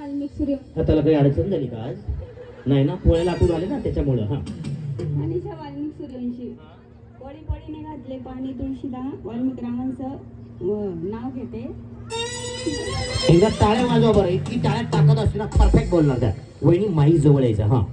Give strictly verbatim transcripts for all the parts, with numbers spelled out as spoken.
वाल्मिक सूर्य त्याला काही अडचण झाली का आज? नाही ना, पोळ्याला आठवून आले ना त्याच्यामुळं. हा मनीषा वाल्मिक सूर्यवंशी कोळी कोळीने घातले पाणी तुळशीला वाल्मिक रामांचं व- नाव घेते. एकदा टाळ्या वाजवा बरं. इतकी टाळ्यात ताकद असते ना, परफेक्ट बोलणार त्या. वहिनी माई जवळ यायचं. हा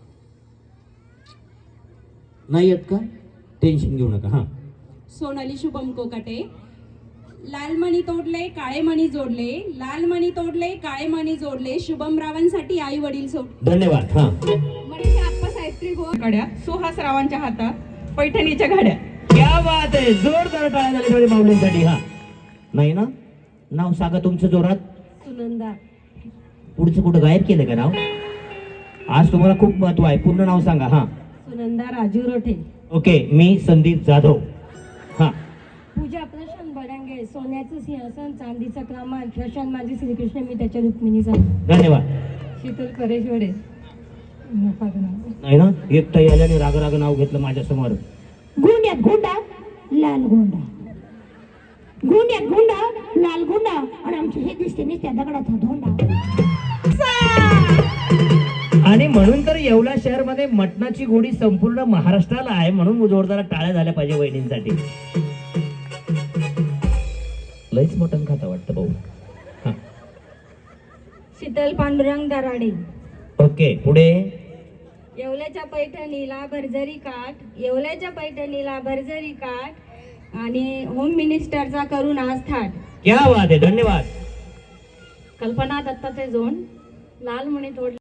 नाही येत का? टेन्शन घेऊ नका. हा सोनाली शुभम कोकाटे. लाल मणी तोडले काळे मणी जोडले, लाल मणी तोडले काळे मणी जोडले, शुभम रावांसाठी आई वडील सोड. धन्यवाद. हा मनीषा आप्पा सावित्री गो गाड्या, सुहास रावांच्या हातात पैठणीच्या गाड्या. क्या बात आहे. जोरदार टाळ्या झाल्या थोडी माऊलींसाठी. हा नाही ना, नाव सांगा तुमचं जोरात. सुनंदा. पुढचं कुठं गायब केलं का नाव? आज तुम्हाला खूप महत्व आहे. पूर्ण नाव सांगा. हा सुनंदा राजू रोठे. ओके, मी संदीप जाधव. हा पूजा प्रशांत बडांगे. सोन्याचं सिंहासन चांदीचा क्रमांक. प्रशांत माझी श्रीकृष्ण मी त्याच्या रुक्मिणीचा. धन्यवाद. शीतल परेशवडे. नाही ना, एकटा याल्याने राग राग नाव घेतलं माझ्या समोर. गुंड्यात गुंडा लाल गुंडा, गुंड्यात गुंडा लाल गुंडा, आणि आमचे हे दिसते नाही त्या दगडाचा धोंडा. आणि म्हणून तर येवला शहर मध्ये मटणाची गोडी संपूर्ण महाराष्ट्राला आहे. म्हणून जोरदार टाळ्या झाल्या पाहिजे वहिनींसाठी. लईच मटण खाता वाटतं भाऊ. हा शीतल पांडुरंग दराडे. ओके, पुढे. येवल्याच्या पैठणीला भरजरी काठ, येवल्याच्या पैठणीला भरजरी काठ, आणि होम मिनिस्टरचा करून आज थाट. क्या बात आहे. धन्यवाद. कल्पना दत्ताचे जोड. लाल मणी तोड